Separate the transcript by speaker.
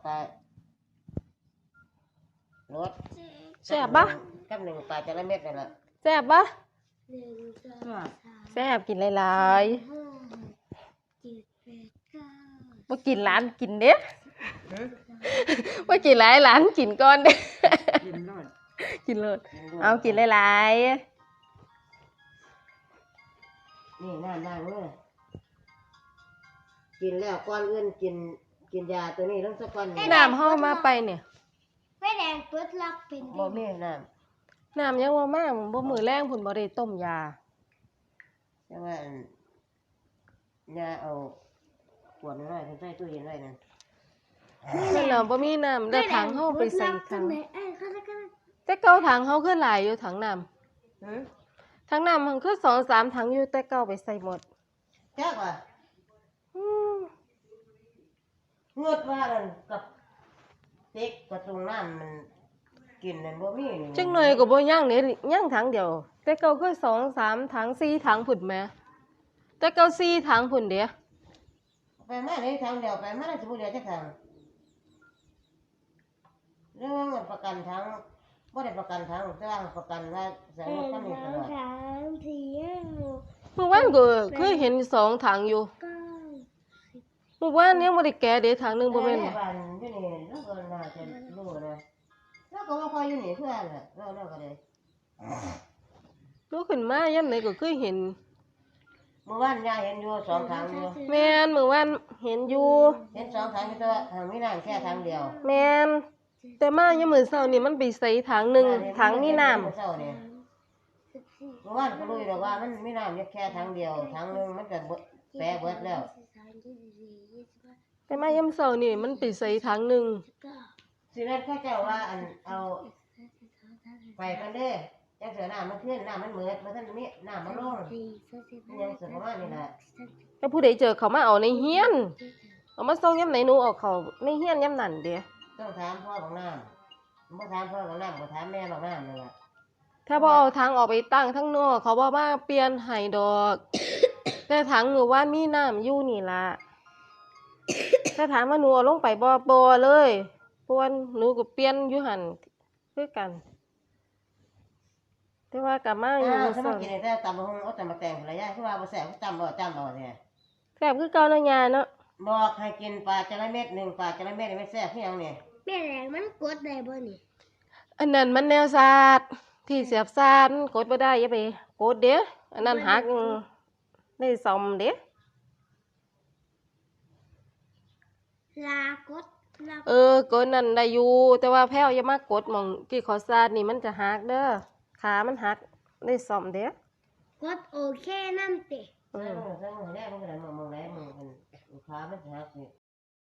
Speaker 1: ปลารส
Speaker 2: แซ่บปะ
Speaker 1: กับหนึ่งปลาจระเม็ดนั่นแหละ
Speaker 2: แซ่บปะแซ่บกินหลายๆมากินร้านกินเด้มากินหลายร้านกินก่อนเด้
Speaker 1: กินรส
Speaker 2: กินเลยเอากินหลายๆ
Speaker 1: นี่นั่งเลยกินแล้วก่อนอื่นกินยาตัวนี้ต้องสักก่อน
Speaker 2: น้ำเฮามาไปเนี่ย
Speaker 3: ไฟแดงเปิดรับเป็น
Speaker 1: บ่มีน้
Speaker 2: น้ำยังว่ามากบ่มือแรงพุ่นบ่ได้ต้มยา
Speaker 1: ำจังว่ายาเอาขวดน้อยใส่ตู้เย็นไว้นั่น
Speaker 2: นั่นแหละบ่มีน้ำแล้วถังเฮาไปใส่ถัง
Speaker 3: เขาจะกัน
Speaker 2: แต่เก่าถังเฮาคือหลายอยู่ถังน้
Speaker 1: หือ
Speaker 2: ำถังน้ำมันคือ2-3ถังอยู่แต่เก่าไปใส่หมด
Speaker 1: จักว่า
Speaker 2: อืม
Speaker 1: เงือดว่านั่นกับเต็กกระตุงน้ำมันกินนั่นบ่มีนี่
Speaker 2: จังหน่อยก็บ่ย่างนี่ย่างถังเดียว แต่เก่าคือ2-3ถัง4ถังพุ่นแหมแต่เก่า4ถังพุ่นเด้
Speaker 1: ไปมาเลยทางเดียวไปมาได้สิบ่เหลือจักทางเรื่องเงินประกันทางบ่ได้ประกันทางแต่ว่าประกันว่าใส่รถคันนี้ตลอด
Speaker 2: เมื่อวานก็เคยเห็น2ถังอยู่เมื่อวานยังบ่ได้แกะเด้ถังหนึงบ่แม่น
Speaker 1: บ้านอยู่นี่แล้วก็น่าจะรู้นะแล้วก็ว่าคอยอยู่นี่เพื่อนน่ะแล้วก็เลย
Speaker 2: ลุกขึ้นมายามไหนก็เคยเห็น
Speaker 1: เมื่อวานยายเห็นอยู่2ทางอยู่
Speaker 2: แม่นมื้อวานเห็นอยู่
Speaker 1: เห็น2ทางอยู่แต่ว่าทางมีน้ำแค่ทางเดียว
Speaker 2: แม่นแต่มายามมื้อเช้านี่มันไปใส่ถังหนึงถังมีน้ำ
Speaker 1: เมื่อเช้านี่เมื่อวานก็รู้อยู่แล้วว่ามันมีน้ำแค่ทางเดียวทางนึงมันก็แปรเบิดแล้ว
Speaker 2: แต่มายามเช้านี่มันไปใส่ถังหนึง
Speaker 1: สินั้นเขาเจ้าว่าอันเอาไปกันเด้จักเสือน้ำมันขึ้นน้ำมันเหมือดมันท่านมีน้ำมันลงยังสุดประมาณนี้แหละ
Speaker 2: แล้วผู้ใดเจอเขามาเอาในเฮียนเอามาส่งยามไหนหนูเอาเขาในเฮียนยามนั้นเด้
Speaker 1: ต้องถามพ่อของน้ำบ่ถามพ่อของน้ำบ่ถามแม่ของน้ำเลยล่ะ
Speaker 2: ถ้าบ่เอาถังออกไปตั้งทั้งนอกเขาบ่มาเปลี่ยนให้ดอก แต่ถังหนูว่ามีน้ำอยู่นี่ล่ะ ถ้าถามว่าหนูเอาลงไปบ่เลยเพราะว่าหนูก็เปลี่ยนอยู่หั่นคือกัน แต่ว่ากลับมาอยู่
Speaker 1: ถ้า
Speaker 2: มื้อ
Speaker 1: มา
Speaker 2: เช้า
Speaker 1: กินได้ตำบักหุ่งเอาแต่มาแต่งภรรยาคือว่าบ่แซ่บจำบ่เนี่ย
Speaker 2: แซ่บคือเก่าเนาะยาเนาะ
Speaker 1: บอกให้กินปลาจระเม็ด1ปลาจระเม็ดไม่แซ่บคือหยังนี่
Speaker 3: แม่แดงมันกดได้บ่นี่
Speaker 2: อันนั้นมันแนวศาสตร์ที่เสียบซาดกดบ่ได้อย่าไปกดเด้ออันนั้นหักได้ซ่อมเด้
Speaker 3: ลากดลาก
Speaker 2: ดนั่นได้อยู่แต่ว่าแพ้วอย่ามากดหม่องที่เขาซาดนี่มันจะหักเด้อขามันหักได้ซ่อมเด้อก
Speaker 3: ดโอเคนั่นติ
Speaker 1: ใส่มือแรกมันก็ได้มองไหนมึงขามันหักนี่